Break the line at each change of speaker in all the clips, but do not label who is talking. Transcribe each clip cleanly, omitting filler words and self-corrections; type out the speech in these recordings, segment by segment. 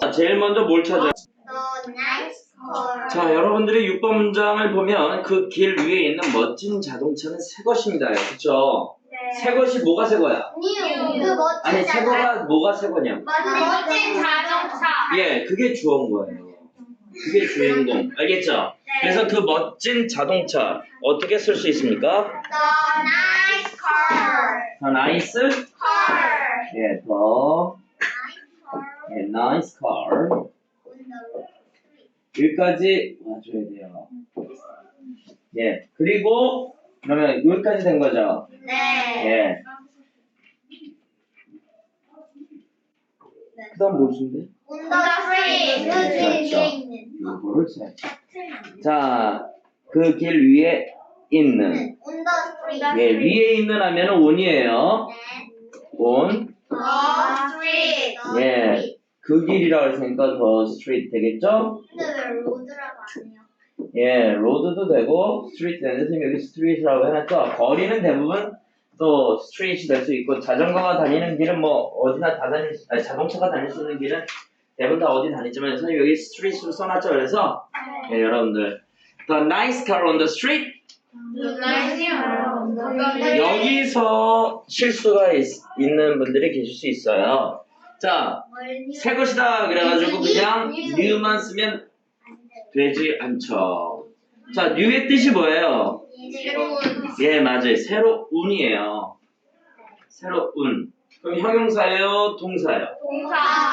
자, 제일 먼저 뭘 찾아?
The nice car.
자, 여러분들이 6번 문장을 보면 그 길 위에 있는 멋진 자동차는 새 것입니다. 그쵸? 새 것이 뭐가 새 거야?
New. 그 멋진
아니, 새 거가 뭐가 새 거냐?
멋진 자동차.
예, 그게 주어인 거예요. 그게 주인공. 알겠죠? 그래서 그 멋진 자동차 어떻게 쓸 수 있습니까?
The nice car.
The nice
Car.
예, the nice car.
On the street.
여기까지 와줘야 돼요. 예, 그리고 그러면 여기까지 된 거죠?
네.
예. 그 다음 뭘 쓴대?
On the street. 그 길 위에 있는.
이거를 써야지. 자, 그 길 위에 있는.
On the street.
예, 위에 있는 하면은 on이에요.
네.
on.
The street.
예. 그 길이라고 했으니까 the street 되겠죠?
근데 왜 로드라고 안 해요?
예, 로드도 되고 street 되는데 선생님이 여기 street이라고 해놨죠? 거리는 대부분 또 street이 될 수 있고 자전거가 다니는 길은 뭐 어디나 다 다닐 수, 아니 자동차가 다닐 수 있는 길은 대부분 다 어디 다니지만 선생님 여기 street으로 써놨죠? 그래서 예, 여러분들 the nice car on the street 여기서 실수가 있는 분들이 계실 수 있어요. 자, 새 것이다 그래가지고 그냥 new만 쓰면 되지 않죠. 자, new의 뜻이 뭐예요?
새로운
예, 맞아요. 새로운이에요. 새로운. 그럼 형용사예요? 동사예요?
동사.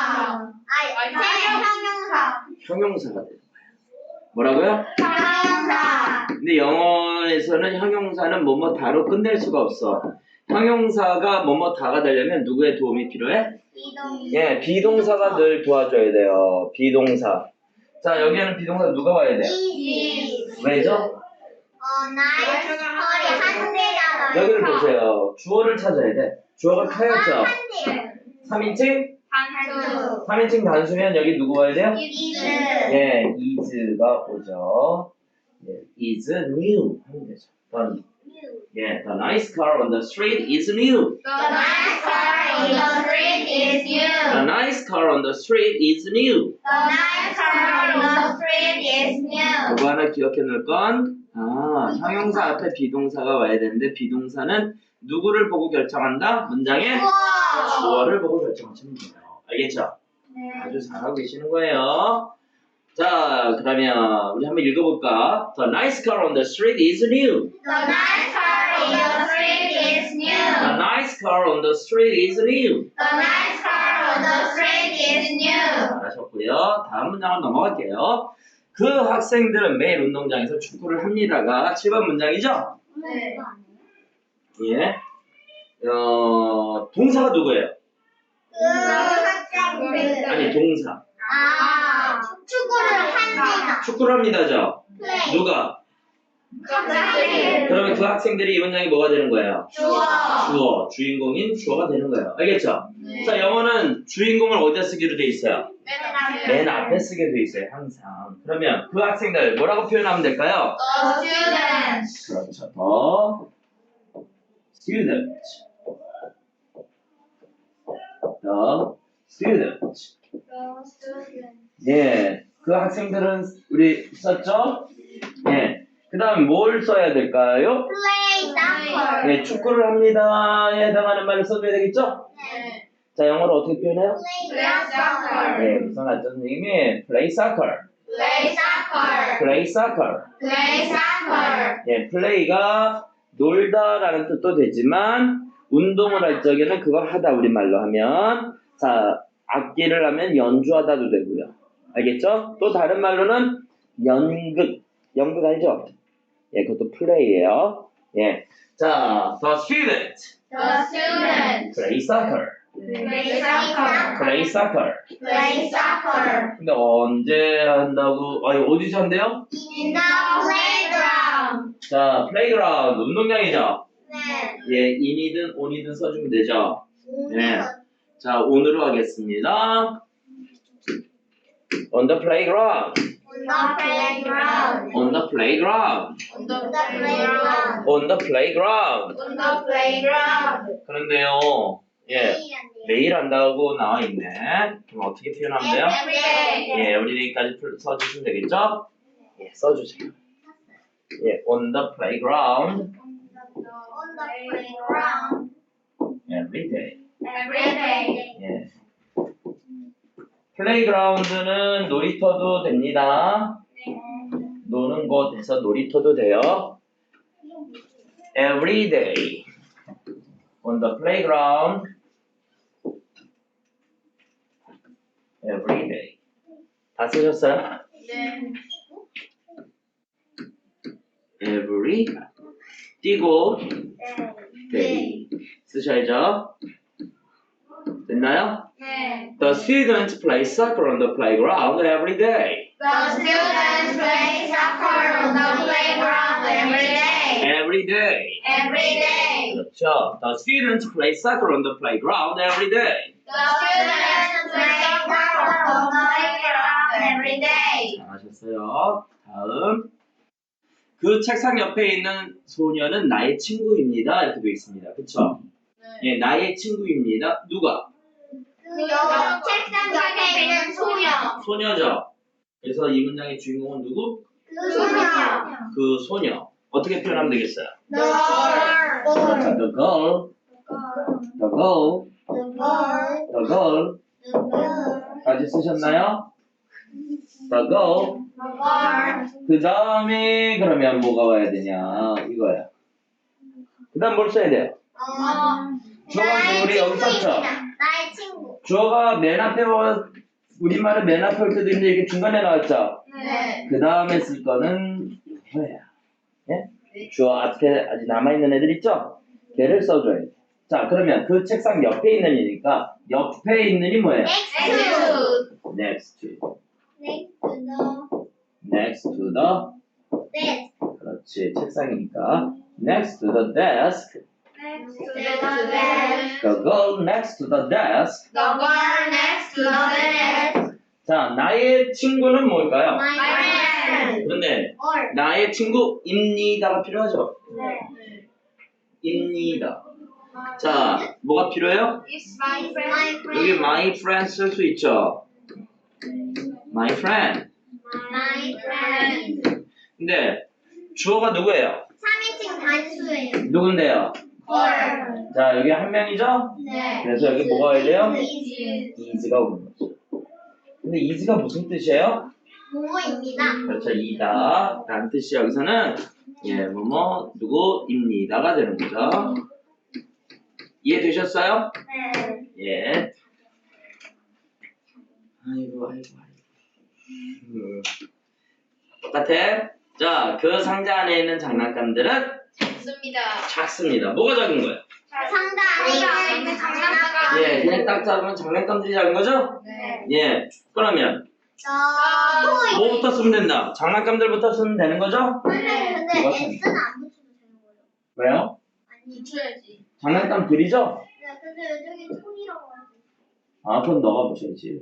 형용사.
형용사가 되는 거예요. 뭐라고요?
형용사.
근데 영어에서는 형용사는 뭐뭐 다로 끝낼 수가 없어. 형용사가 뭐뭐 다가 되려면 누구의 도움이 필요해? 예, 비동사가 늘 도와줘야 돼요. 비동사. 자, 여기에는 비동사 누가 와야 돼? 왜죠?
nice 컬이 한 대잖아요.
여기를 보세요. 주어를 찾아야 돼. 주어가 카였죠?
한 대.
3인칭?
단수.
3인칭 단수면 여기 누구 와야 돼요?
is.
예, is가 오죠. 예, is new 하면 되죠. done. 예, the nice car on the street is new.
The nice car in the street is new.
The nice car on the street is new.
The nice car on the street is new.
그거 하나 기억해 놓을 건, 형용사 앞에 비동사가 와야 되는데, 비동사는 누구를 보고 결정한다? 문장의 주어를 보고 결정하시면 돼요. 알겠죠? 아주 잘하고 계시는 거예요. 자, 그러면 우리 한번 읽어볼까? The nice car on the street is new.
The nice car in the street is new.
The nice car on the street is new.
The nice car on the street is new.
잘하셨고요. 다음 문장을 넘어갈게요. 그 학생들은 매일 운동장에서 축구를 합니다가 7번 문장이죠?
네.
예. 동사가 누구예요?
그 학생들.
아니, 동사.
축구를 합니다.
축구를 합니다죠?
플레이.
누가?
학생들.
그러면 그 학생들이 이 문장이 뭐가 되는 거예요? 주어. 주인공인 주어가 되는 거예요. 알겠죠? 자, 영어는 주인공을 어디다 쓰기로 돼 있어요? 맨 앞에 쓰게 돼 있어요, 항상. 그러면 그 학생들 뭐라고 표현하면 될까요?
The students.
그렇죠. The student. 예, 그 학생들은 우리 썼죠? 예. 그 다음 뭘 써야 될까요?
Play soccer.
예, 축구를 합니다에 해당하는 말을 써줘야 되겠죠?
네.
자, 영어로 어떻게 표현해요?
Play soccer.
예, 써놨죠, 선생님이. Play soccer.
Play soccer.
Play soccer.
Play soccer.
예, play가 놀다라는 뜻도 되지만 운동을 할 적에는 그걸 하다 우리말로 하면 자, 악기를 하면 연주하다도 되고요. 알겠죠? 또 다른 말로는 연극 알죠? 예, 그것도 play예요. 예. 자, the student
The students.
play soccer.
Play soccer.
play soccer.
Play soccer.
근데 언제 한다고? 아니, 어디서 한대요?
In the playground.
자, playground 운동장이죠?
네.
예, in이든 on이든 써주면 되죠? 네. 자, 오늘로 하겠습니다. On the playground.
On the playground.
On the playground.
On the playground.
On the playground.
On the playground.
그런데요, 예, 매일 한다고 나와 있네. 그럼 어떻게 표현하면 돼요?
Everyday.
예, everyday까지 써주시면 되겠죠? 예, 써주세요. 예, on the playground
On the playground.
every day.
Everyday.
예. 플레이그라운드는 놀이터도 됩니다. 노는 곳에서 놀이터도 돼요. Every day on the playground. Every day. 다 쓰셨어요?
네.
Every 띄고 day 쓰셔야죠. 됐나요?
네.
The students play soccer on the playground every day.
The students play soccer on the playground every day.
Every day.
Every day.
그렇죠. The students play soccer on the playground every day.
The students play soccer on the playground every day.
잘하셨어요. 다음. 그 책상 옆에 있는 소녀는 나의 친구입니다. 이렇게 되어 있습니다. 그렇죠? 예, 나의 친구입니다. 누가?
그 책상 옆에 있는 소녀.
소녀죠. 그래서 이 문장의 주인공은 누구?
그 소녀.
그 소녀. 어떻게 표현하면 되겠어요?
The girl.
The girl. The girl.
The girl.
The girl.
The girl.
까지 쓰셨나요? The girl.
The girl.
그 다음에 그러면 뭐가 와야 되냐? 이거야. 그 다음 뭘 써야 돼요? 주어가 우리 여기 썼죠?
나의 친구.
주어가 맨 앞에 우리말은 맨 앞에 올 때도 있는데 이렇게 중간에 나왔죠?
네.
그 다음에 쓸 거는 이거야. 예? 주어 앞에 아직 남아있는 애들 있죠? 걔를 써줘야 돼. 자, 그러면 그 책상 옆에 있는 이니까 옆에 있는 이 뭐예요?
Next
Next
to.
to.
Next to the
Next to the.
desk.
그렇지. 책상이니까. Next to the desk.
Next to the desk.
The girl next to the desk.
The girl next to the desk.
자, 나의 친구는 뭘까요?
My friend.
그런데
Or.
나의 친구입니다가 필요하죠?
네.
입니다. 자, 뭐가 필요해요?
It's my friend.
여기 my friend 쓸 수 있죠? My friend.
My friend.
근데 주어가 누구예요?
3인칭 단수예요.
누군데요?
Or.
자, 여기 한 명이죠?
네.
그래서 여기 뭐가 와야 돼요?
is.
is가 오는 거죠. 근데 is가 무슨 뜻이에요?
뭐뭐입니다.
그렇죠. 이다 라는 뜻이 여기서는 예, 뭐뭐 누구입니다가 되는 거죠. 이해되셨어요?
네.
예. 아이고. 똑같아. 자, 그 상자 안에 있는 장난감들은
좋습니다.
작습니다. 뭐가 작은 거예요?
상자 안에 있는 장난감.
예, 그냥 딱 잡으면 장난감들이 작은 거죠?
네.
예. 그러면
저.
뭐부터 쓰면 된다? 장난감들부터 쓰면 되는 거죠?
근데
그거
S는 안 붙이면 되는 거예요.
왜요?
아니 붙여야지.
장난감들이죠?
네, 근데 여기 총이라고 하지.
아, 그건 너가 붙여야지.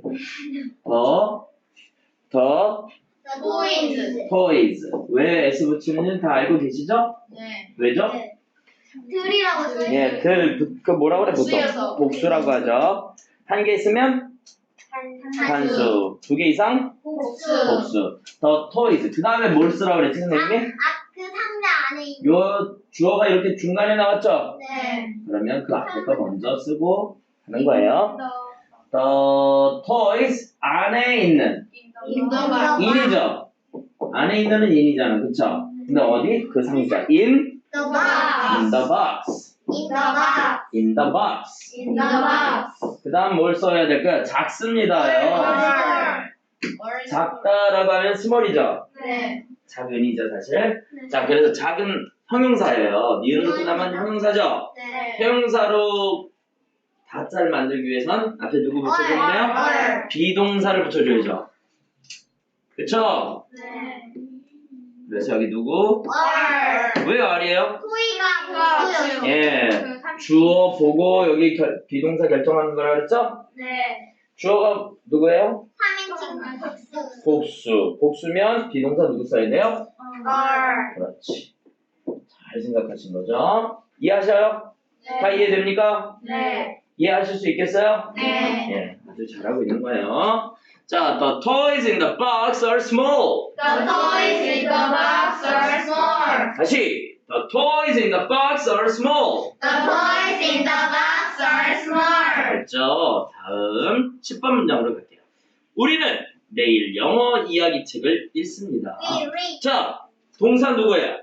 더
Toys.
toys. 왜 S 붙이는지 다 알고 계시죠?
네.
왜죠?
네. 들이라고 써요.
예, 그 뭐라 그래 보통?
복수여서.
복수라고 하죠. 한 개 있으면 단수, 두 개 이상 복수. 더 toys. 그 다음에 뭘 쓰라고 그랬지 선생님이?
그 상자 안에 있는.
요 주어가 이렇게 중간에 나왔죠?
네.
그러면 그 앞에 거 먼저 쓰고 하는 거예요. The toys 안에 있는
인더가.
in이죠. 안에 있는은 in이잖아, 그쵸? 근데 어디? 그 상자 in
The box.
the box.
In the box.
In the box.
In the box.
그 다음 뭘 써야 될까요? 작습니다요. 작다라고 하면 small이죠.
네.
작은이죠, 사실. 자, 그래서 작은 형용사예요. 니은으로 끝나면 형용사죠.
네.
형용사로 다자를 만들기 위해선 앞에 누구 붙여주면 돼요?
얼.
비동사를 붙여줘야죠. 그쵸?
네.
그래서 여기 누구?
얼.
왜 R이에요?
토이가 복수요.
예. 주어 보고 여기 비동사 결정하는 거라 그랬죠?
네.
주어가 누구예요?
3인칭 복수.
복수. 복수면 비동사 누구 써야 돼요?
얼.
그렇지. 잘 생각하신 거죠? 이해하셔요? 다 이해됩니까?
네.
이해하실 수 있겠어요?
네.
예, 아주 잘하고 있는 거예요. 자, the toys in the box are small.
The toys in the box are small.
다시, the toys in the box are small.
The toys in the box are small.
됐죠? 다음 10번 문장으로 갈게요. 우리는 매일 영어 이야기 책을 읽습니다. 자, 동사 누구예요?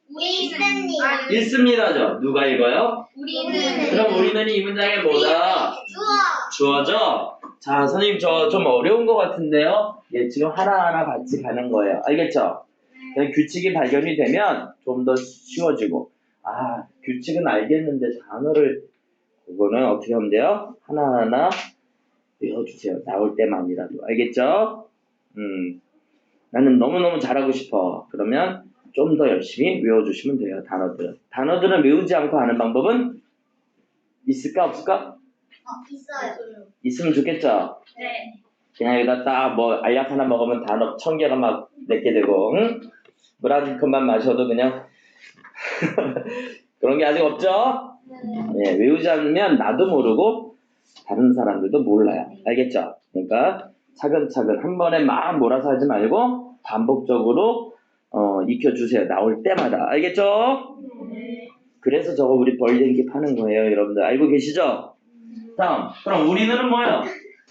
있습니다.
읽습니다죠? 누가 읽어요?
우리는
그럼 우리는 이 문장에 뭐다? 주어죠? 자, 선생님 저 좀 어려운 것 같은데요? 예, 지금 하나하나 같이 가는 거예요. 알겠죠? 그냥 규칙이 발견이 되면 좀 더 쉬워지고, 아, 규칙은 알겠는데 단어를, 그거는 어떻게 하면 돼요? 하나하나 외워주세요. 나올 때만이라도. 알겠죠? 나는 너무너무 잘하고 싶어. 그러면 좀 더 열심히 외워주시면 돼요. 단어들은. 단어들은 외우지 않고 하는 방법은 있을까 없을까?
있어요.
있으면 좋겠죠?
네.
그냥 여기다 딱 뭐 알약 하나 먹으면 단어 1000개가 막 맺게 되고, 응? 물 한 컵만 마셔도 그냥 그런 게 아직 없죠? 예, 외우지 않으면 나도 모르고 다른 사람들도 몰라요. 알겠죠? 그러니까 차근차근 한 번에 막 몰아서 하지 말고 반복적으로 익혀주세요. 나올 때마다. 알겠죠? 그래서 저거 우리 벌den기 파는 거예요. 여러분들 알고 계시죠? 다음, 그럼 우리는 뭐예요?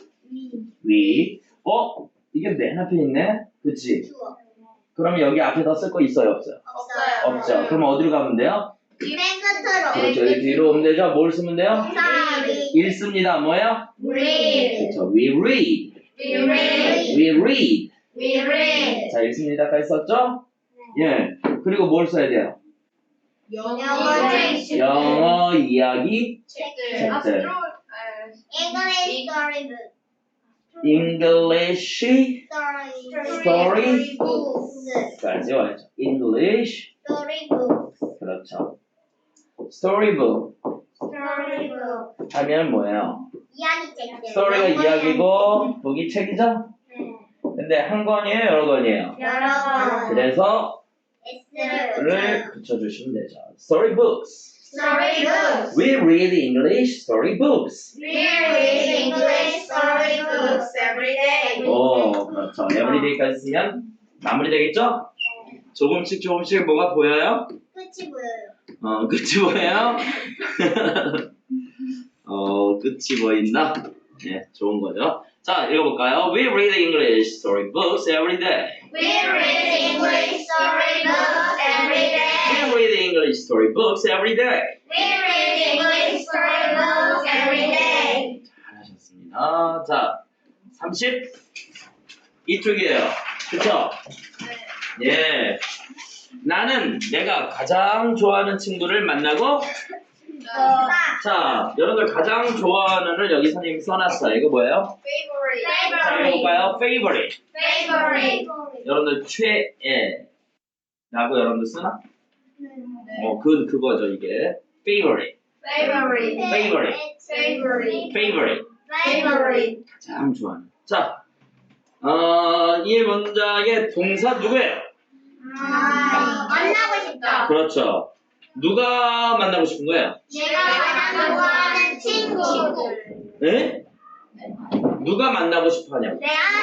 We. 이게 맨 앞에 있네? 그치? 그럼 여기 앞에다 쓸 거 있어요? 없어요?
없어요.
없죠. 그럼 어디로 가면 돼요?
맨 끝으로.
그렇죠. 여기 뒤로 오면 되죠? 뭘 쓰면 돼요?
동사리.
읽습니다. 뭐예요?
read.
그렇죠. We read.
We read.
We read.
We read.
자, 읽습니다까지 썼죠? 예. 그리고 뭘 써야 돼요?
영어 책.
영어 이야기
책들.
책들.
English storybook.
English story
books.
까지 와야죠. English.
Storybooks.
그렇죠. Storybook
Storybook.
하면 뭐예요?
이야기 책들.
스토리가 이야기고, 북이 책이죠?
네.
근데 한 권이에요? 여러 권이에요?
여러 번.
그래서
S를
를 붙여주시면 되죠. Storybooks.
Storybooks.
We read English storybooks.
We read English storybooks every day.
오, 그렇죠. Everyday까지 쓰면 마무리되겠죠? 조금씩 뭐가 보여요?
끝이 보여요.
끝이 보여요? 끝이 보인다? 네, 좋은 거죠. 자, 읽어볼까요? We read English storybooks every day.
We read English storybooks every day.
We read English storybooks every day.
We read English storybooks every day.
잘하셨습니다. 자, 30 이쪽이에요. 그쵸? 예. 나는 내가 가장 좋아하는 친구를 만나고, 자, 여러분들 가장 좋아하는을 여기 선생님이 써놨어요. 이거 뭐예요? 자, 읽어볼까요? Favorite.
Favorite.
여러분들 최애 라고 여러분들 쓰나? 그거죠 이게. Favorite.
Favorite.
Favorite.
Favorite.
Favorite.
Favorite.
가장 좋아하는. 자, 이 문장의 동사 누구예요?
만나고 싶다.
그렇죠. 누가 만나고 싶은 거예요?
내가 가장 좋아하는 친구.
네? 누가 만나고 싶어 하냐고.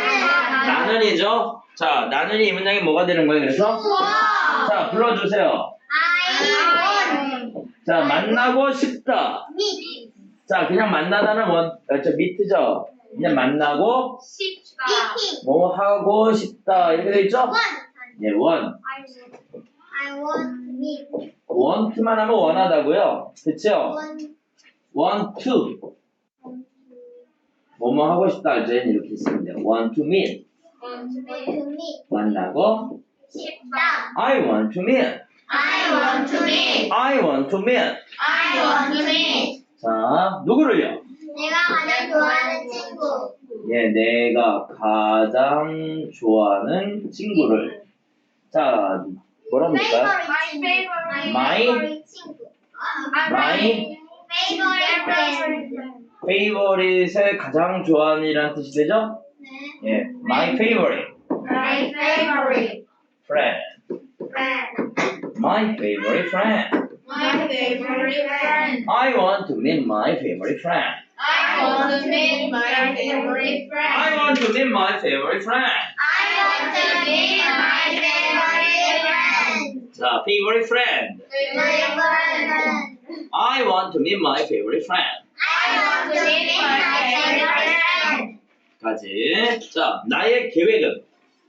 나는이죠. 자, 나는이 이 문장이 뭐가 되는 거예요? 그래서 자, 불러주세요.
I want.
자, 만나고 싶다.
meet.
자, 그냥 만나다는 미트죠. 그냥 만나고
싶다.
뭐 하고 싶다 이렇게 돼 있죠? 네, want.
I want meet.
want만 하면 원하다고요. 그쵸? want to. 뭐뭐 하고 싶다 할 때는 이렇게 쓰면 돼요. want to meet.
Want to meet.
만나고
싶다.
I want to meet.
I want to meet.
I want to meet.
I want to meet.
자, 누구를요?
내가 가장 좋아하는 친구.
예, 내가 가장 좋아하는 친구를. 자, 뭐라 합니까?
My
My?
친구.
My
favorite friend.
favorite을 가장 좋아하는이라는 뜻이 되죠?
네.
예, my favorite
My favorite
friend.
friend.
My favorite friend.
My favorite friend.
I want to meet my favorite friend.
want to meet my favorite friend.
I want to meet my favorite friend.
I want to meet my favorite friend.
자, favorite friend.
Favorite friend.
I want to meet my favorite friend.
I want to meet my favorite friend.
까지. 자, 나의 계획은?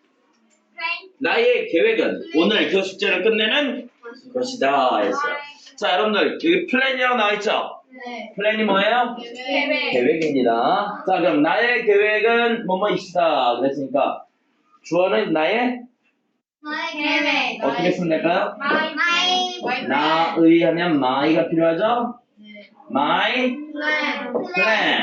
나의 계획은 오늘 그 숙제를 끝내는 것이다 했어요. 자, 여러분들 여기 플랜이라고 나와있죠?
네.
플랜이 뭐예요?
계획.
계획입니다. 자, 그럼 나의 계획은 뭐뭐이시다 그랬으니까 주어는 나의
계획.
어떻게 쓰면 될까요?
My
나의 하면 my가 필요하죠?
네.
my
plan.
plan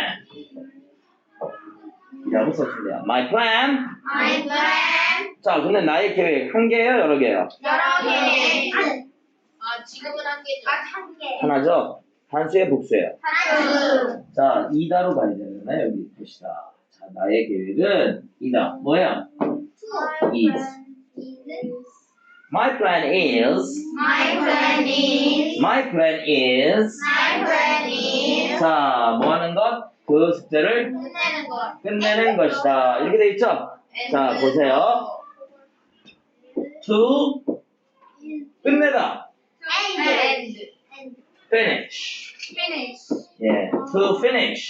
이라고 써주면 돼요. my plan.
My plan.
자, 근데 나의 계획 한 개예요? 여러 개예요?
여러 개. 지금은 한 개죠. 한 개.
하나죠? 단수의 복수예요.
단수.
자, 이다로 가야 되잖아요. 여기 봅시다. 자, 나의 계획은 이다. 뭐예요? is. My plan is.
My plan is.
My plan is.
My plan is.
자, 뭐 하는 것? 그 숙제를
끝내는 것.
끝내는 것이다. 이렇게 돼 있죠? 자, 보세요. To 끝내다.
End.
Finish.
Finish.
예, to finish.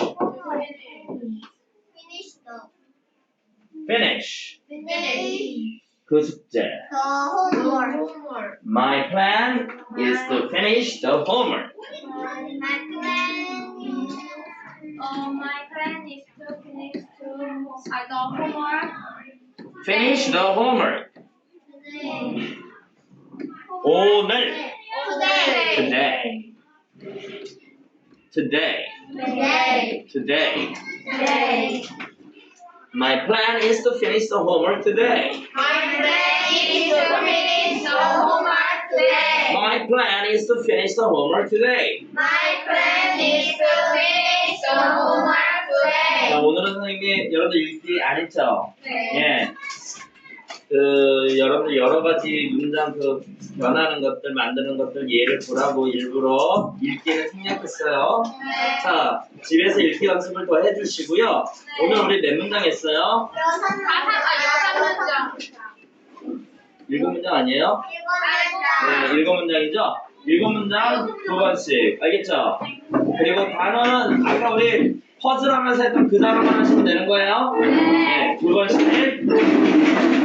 Finish the.
Finish.
Finish.
그 숙제.
The homework.
My plan is to finish the homework.
My plan is to finish the homework.
Finish the homework. 오늘.
Today.
Today.
Today.
Today.
Today.
My plan is to finish the homework today.
My plan is to finish the homework today.
My plan is to finish the homework today.
My plan is to finish the homework
자,
today.
오늘은 선생님이 여러분들 읽기 안 했죠?
네.
예. 그 여러분들 여러 가지 문장 그 변하는 것들 만드는 것들 예를 보라고 일부러 읽기는 생략했어요.
네.
자, 집에서 읽기 연습을 더 해주시고요. 오늘 우리 몇 문장 했어요?
가사가 6문장.
7문장 아니에요? 네, 7문장이죠? 7문장 2번씩 알겠죠? 그리고 단어는 아까 우리 퍼즐 하면서 했던 그 단어만 하시면 되는 거예요. 네, 2번씩